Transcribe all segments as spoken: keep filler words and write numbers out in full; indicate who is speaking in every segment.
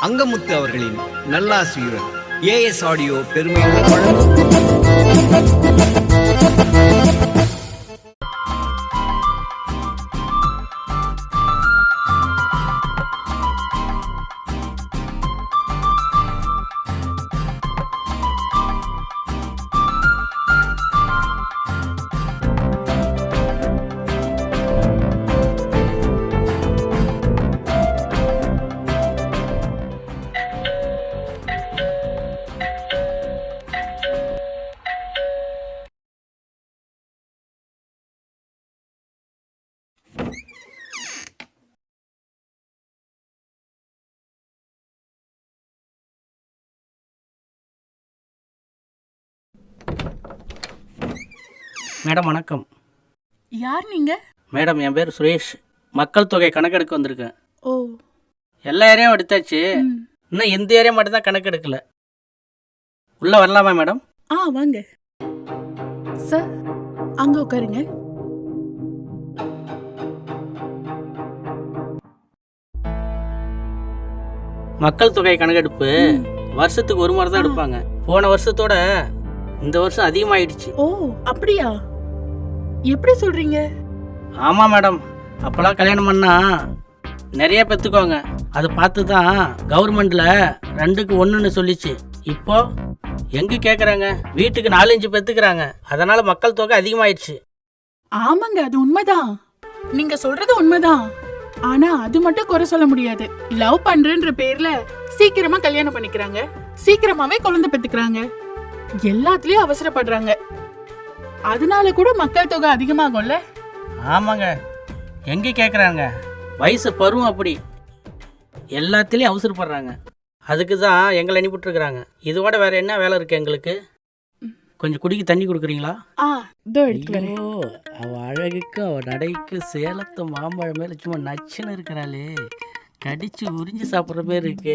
Speaker 1: அங்கமுத்து அவர்களின் நல்லாசியுடன் as audio பெருமையுடன் வழங்கும்.
Speaker 2: மேடம் வணக்கம்.
Speaker 3: யார் நீங்க?
Speaker 2: மேடம் என் பேர் சுரேஷ். மக்கள் தொகை கணக்கெடுக்க வந்திருக்கேன்.
Speaker 3: ஓ,
Speaker 2: எல்லா ஏரியாவும் எடுத்தாச்சு, இன்னும் இந்த ஏரியா மட்டும் தான் கணக்கு எடுக்கல. உள்ள வரலாமா மேடம்?
Speaker 3: ஆ வாங்க சார், அங்க உட்காருங்க.
Speaker 2: மக்கள் தொகை கணக்கெடுப்பு வருஷத்துக்கு ஒரு முறை தான் எடுப்பாங்க. போன வருஷத்தோட இந்த வருஷம் அதிகமாயிடுச்சு.
Speaker 3: ஓ அப்படியா? எப்படி சொல்றீங்க?
Speaker 2: ஆமா மேடம், அப்பெல்லாம் கல்யாணம் பண்ணா நிறைய பெற்றுக்குவாங்க. அதை பார்த்து தான் கவர்மெண்ட்ல ரெண்டுக்கு ஒன்றுன்னு சொல்லிச்சு. இப்போ எங்க கேட்குறாங்க, வீட்டுக்கு நாலஞ்சு பெற்றுக்கிறாங்க. அதனால மக்கள் தொகை அதிகமாயிடுச்சு.
Speaker 3: ஆமாங்க, அது உண்மைதான். நீங்க சொல்றது உண்மைதான். ஆனா அது மட்டும் குறை சொல்ல முடியாது. லவ் பண்றேன்ற பேர்ல சீக்கிரமா கல்யாணம் பண்ணிக்கிறாங்க, சீக்கிரமாவே குழந்தை பெத்துக்கிறாங்க, எல்லாத்துலயும் அவசரப்படுறாங்க. அதனால கூட மக்கள் தொகை அதிகமாகும்ல.
Speaker 2: ஆமாங்க, எங்க கேட்குறாங்க, வயசு பருவம் அப்படி, எல்லாத்துலேயும் அவசரப்படுறாங்க. அதுக்கு தான் எங்களை அனுப்பிட்டுருக்குறாங்க. இதோட வேற என்ன வேலை இருக்கு எங்களுக்கு? கொஞ்சம் குடிக்க தண்ணி கொடுக்குறீங்களா?
Speaker 3: ஆ இதோ எடுத்து வரேன்.
Speaker 2: ஐயோ, அவ அழகுக்கு அவ நடைக்கு சேலத்து மாம்பழம் மேல சும்மா நச்சுன்னு இருக்கிறாளே, கடிச்சு உறிஞ்சு சாப்பிட்ற பேர் இருக்கு.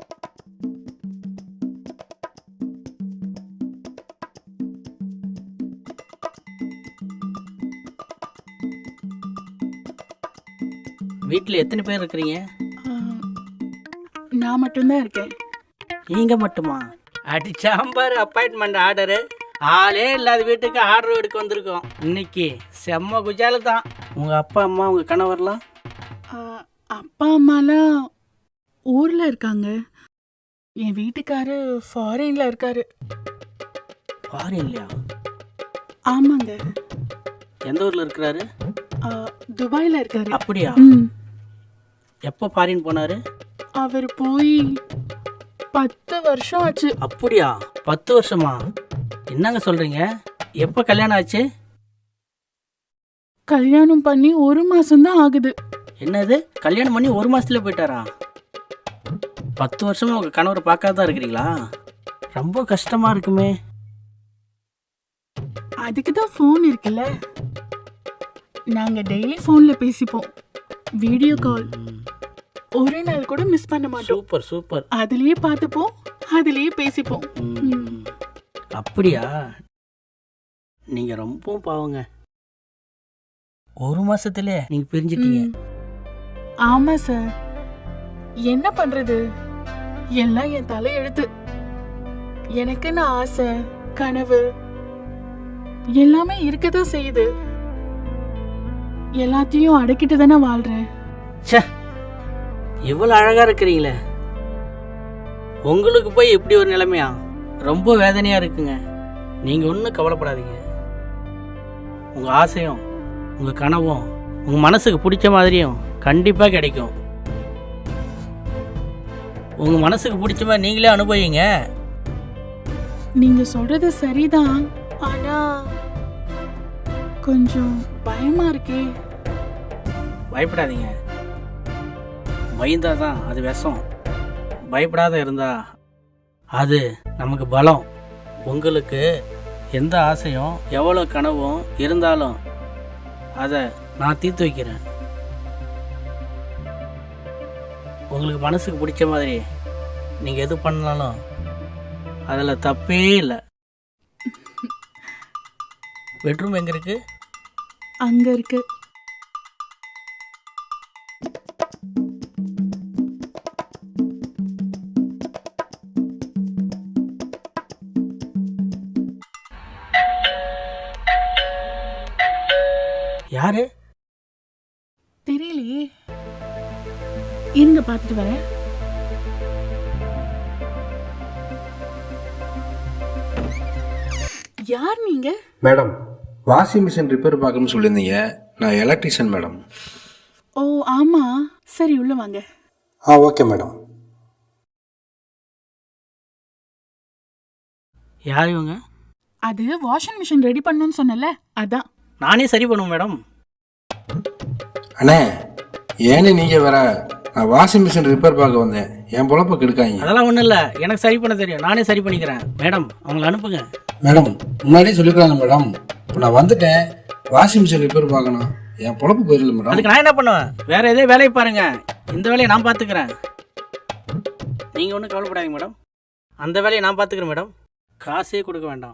Speaker 2: வீட்டில் எத்தனை பேர் இருக்கிறீங்க?
Speaker 3: ஆ, நான் மட்டும்தான் இருக்கேன்.
Speaker 2: நீங்க மட்டுமா? அடி சாம்பார் அப்பாயின்மெண்ட் ஆர்டரு. ஆளே இல்லாத வீட்டுக்கு ஆர்டர் எடுக்க வந்திருக்கோம். இன்னைக்கு செம்ம குஜால தான். உங்க அப்பா அம்மா உங்க கணவர்லாம்?
Speaker 3: ஆ, அப்பா அம்மாலாம் ஊர்ல இருக்காங்க. என் வீட்டுக்காரு ஃபாரின்ல இருக்காரு.
Speaker 2: ஃபாரின்லையா?
Speaker 3: ஆமாங்க.
Speaker 2: எந்த ஊர்ல இருக்கிறாரு?
Speaker 3: ஆ, துபாயில இருக்காரு.
Speaker 2: அப்படியா?
Speaker 3: ம்.
Speaker 2: எப்போ ஃபாரின் போனாரு?
Speaker 3: அவர் போய் பத்து வருஷம் ஆச்சு.
Speaker 2: அப்படியா? பத்து வருஷமா? என்னங்க சொல்றீங்க? எப்போ கல்யாணம் ஆச்சு?
Speaker 3: கல்யாணம் பண்ணி ஒரு மாசம் தான் ஆகுது.
Speaker 2: என்னது, கல்யாணம் பண்ணி ஒரு மாசத்துல போயிட்டாரா? பத்து வருஷமா உங்க கணவரை பார்க்காதான் இருக்கிறீங்களா? ரொம்ப கஷ்டமா இருக்குமே.
Speaker 3: அதுக்கு தான் ஃபோன் இருக்குல்ல, நாங்க டெய்லி ஃபோன்ல பேசிப்போம். வீடியோ கால் ஒரு நாள் கூட மிஸ் பண்ண மாட்டோம்.
Speaker 2: Super super.
Speaker 3: அதுலயே பார்த்துப்போம், அதுலயே பேசிப்போம்.
Speaker 2: ம். அப்படியா? நீங்க ரொம்ப பாவங்க. ஒரு மாசத்துல நீங்க பிரிஞ்சிட்டீங்க.
Speaker 3: ம். ஆமா சார், என்ன பண்றது, எல்லாம் என் தலை எழுத்து. எனக்குன்னு ஆசை, கனவு எல்லாமே இருக்கதான் செய்யுது. எல்லாத்தையும் அடக்கிட்டு தானே வாழ்றேன்.
Speaker 2: ச்சே, இவ்வளவு அழகா இருக்கிறீங்களே, உங்களுக்கு போய் இப்படி ஒரு நிலைமையா? ரொம்ப வேதனையா இருக்குங்க. நீங்க ஒன்றும் கவலைப்படாதீங்க. உங்க ஆசையும் உங்க கனவும் உங்க மனசுக்கு பிடிச்ச மாதிரியும் கண்டிப்பா கிடைக்கும். உங்க மனசுக்கு பிடிச்ச மாதிரி நீங்களே அனுபவிங்க.
Speaker 3: நீங்க சொல்றது சரிதான், ஆனா கொஞ்சம் பயமா இருக்கே.
Speaker 2: பயப்படாதீங்க. பயந்தாதான் அது விஷம். பயப்படாத இருந்தா அது நமக்கு பலம். உங்களுக்கு எந்த ஆசையும் எவ்வளோ கனவும் இருந்தாலும் அதை நான் தீர்த்து வைக்கிறேன். உங்களுக்கு மனசுக்கு பிடிச்ச மாதிரி நீங்கள் எது பண்ணாலும் அதில் தப்பே இல்லை. பெட்ரூம் எங்கே இருக்கு?
Speaker 3: அங்க இருக்கு.
Speaker 2: யாரு?
Speaker 3: தெரியலையே, இருங்க பார்த்துட்டு வரேன். யார் நீங்க?
Speaker 4: மேடம், வாஷிங் மிஷின் ரிப்பேர் பார்க்கணும்னு சொல்லியிருந்தீங்க. நான் எலக்ட்ரிஷியன் மேடம்.
Speaker 3: ஓ ஆமா, சரி உள்ள வாங்க.
Speaker 4: ஆ ஓகே மேடம்.
Speaker 2: யார் இவங்க?
Speaker 3: அது வாஷிங் மிஷின் ரெடி பண்ணணும்னு சொன்னல, அதான்.
Speaker 2: நானே சரி பண்ணுவேன் மேடம்.
Speaker 4: அண்ணே, ஏனே நீங்கள் வேற? நான் வாஷிங் மிஷின் ரிப்பேர் பார்க்க வந்தேன். என் பொழப்ப கெடுக்காங்க.
Speaker 2: அதெல்லாம் ஒன்றும் இல்லை, எனக்கு சரி பண்ண தெரியும். நானே சரி பண்ணிக்கிறேன். மேடம் அவங்கள அனுப்புங்க.
Speaker 4: மேடம், முன்னாடியே சொல்லிக்கிறாங்க மேடம். இப்போ நான் வந்துட்டேன், வாஷிங் மிஷின் ரிப்பேர் பார்க்கணும். என் பொழப்பு போயிடல மேடம்.
Speaker 2: அதுக்கு நான் என்ன பண்ணுவேன்? வேற எதே வேலையை பாருங்க, இந்த வேலையை நான் பார்த்துக்கிறேன். நீங்கள் ஒன்றும் கவலைப்படாதீங்க மேடம், அந்த வேலையை நான் பார்த்துக்கிறேன் மேடம். காசே கொடுக்க வேண்டாம்.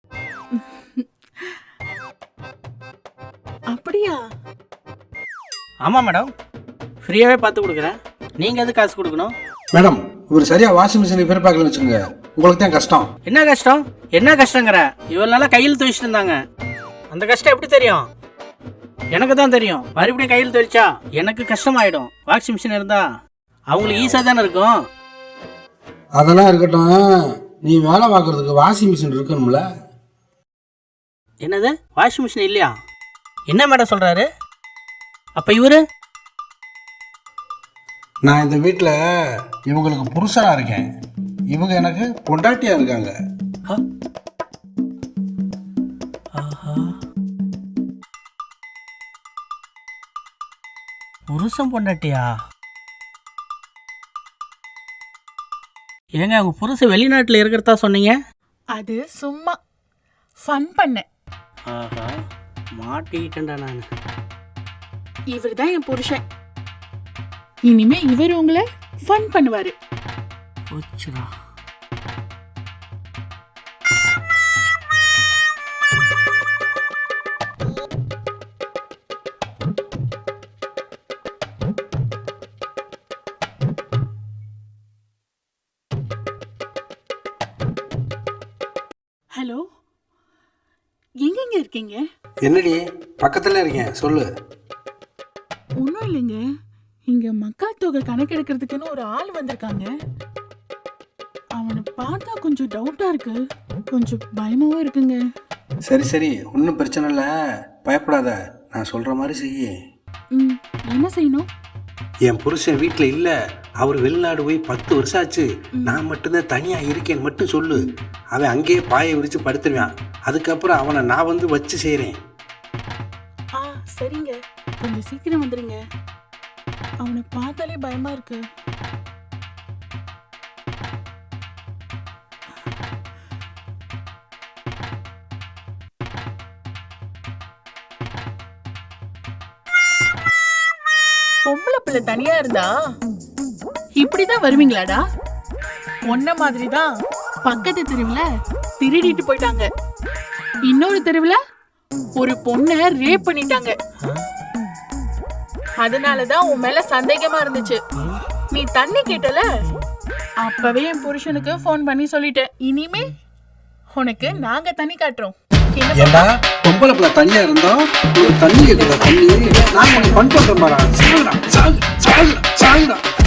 Speaker 3: அப்படியா?
Speaker 2: ஆமாம் மேடம், ஃப்ரீயாகவே பார்த்து கொடுக்குறேன். நீங்கள் எது காசு கொடுக்கணும்?
Speaker 4: மேடம், இவர் சரியா வாஷிங் மிஷின் ரிப்பேர் பார்க்கலன்னு வச்சுக்கோங்க, உங்களுக்கு தான் கஷ்டம்.
Speaker 2: என்ன கஷ்டம்? என்ன கஷ்டங்கிற? இவ்வளோ நாளாக கையில் துவைச்சிட்டு இருந்தாங்க. அந்த கஷ்டம் எப்படி தெரியும்? எனக்கு தான் தெரியும். மறுபடியும் கையில் துவைச்சா எனக்கு கஷ்டமாயிடும். வாஷிங் மிஷின் இருந்தா அவங்களுக்கு ஈஸியாக தானே இருக்கும்.
Speaker 4: அதெல்லாம் இருக்கட்டும், நீ வேலை பார்க்கறதுக்கு வாஷிங் மிஷின் இருக்கணும்ல?
Speaker 2: என்னது, வாஷிங் மிஷின் இல்லையா? என்ன மேடம் சொல்கிறாரு? அப்போ இவரு?
Speaker 4: நான் இந்த வீட்டில் இவங்களுக்கு புருஷனா இருக்கேன், இவங்க எனக்கு பொண்டாட்டியா இருக்காங்க.
Speaker 2: ஆஹா, புருஷன் பொண்டாட்டியா? ஏங்க உங்க புருஷன் வெளிநாட்டில் இருக்கிறதா சொன்னீங்க?
Speaker 3: அது சும்மா ஃபன் பண்ணேன்.
Speaker 2: ஆஹா, மாட்டிக்கிட்டேன்டா நான்.
Speaker 3: இவர் தான் என் புருஷன். இனிமே இவர் உங்களை ஃபன் பண்ணுவாரு.
Speaker 2: போச்சுடா.
Speaker 3: ஹலோ, எங்கெங்க இருக்கீங்க?
Speaker 4: என்னடி, பக்கத்துல இருக்கேன், சொல்லு.
Speaker 3: ஒன்றும் இல்லைங்க, இங்க மக்கள் தொகை கணக்கெடுக்கிறதுக்குன்னு ஒரு ஆள் வந்திருக்காங்க. அவனை பார்த்தா கொஞ்சம் டவுட்டா இருக்கு, கொஞ்சம் பயமாவும் இருக்குங்க.
Speaker 4: சரி சரி, ஒன்றும் பிரச்சனை இல்லை, பயப்படாத. நான் சொல்ற மாதிரி செய்ய.
Speaker 3: ம், என்ன செய்யணும்?
Speaker 4: என் புருஷன் வீட்டில் இல்லை, அவர் வெளிநாடு போய் பத்து வருஷம் ஆச்சு. நான் மட்டும்தான் தனியாக இருக்கேன்னு மட்டும் சொல்லு. அவன் அங்கேயே பாயை விரித்து படுத்துருவான். அதுக்கப்புறம் அவனை நான் வந்து வச்சு செய்கிறேன்.
Speaker 3: ஆ சரிங்க, கொஞ்சம் சீக்கிரம் வந்துடுங்க. அவனை பார்த்தாலே பயமா இருக்கு. பொம்பளை பிள்ளை தனியா இருந்தா இப்படிதான் வருவீங்களாடா? ஒன்ன மாதிரிதான் பக்கத்து தெருவுல திருடிட்டு போயிட்டாங்க. இன்னொரு தெருவுல ஒரு பொண்ணை ரேப் பண்ணிட்டாங்க. அதனாலதான் உன் மேல சந்தேகமா இருந்துச்சு. நீ தண்ணி கேட்டல, அப்பவே என் புருஷனுக்கு போன் பண்ணி சொல்லிட்டேன். இனிமே உனக்கு நாங்க தண்ணி காட்டுறோம்.
Speaker 4: ஏண்டா பொம்பளை பிள்ளை தனியா இருந்தோம், தண்ணி கேட்குற தண்ணி நான் உனக்கு பண் பண்ற மாதிரி. சாகுடா, சாகு, சாகுடா, சாகுடா.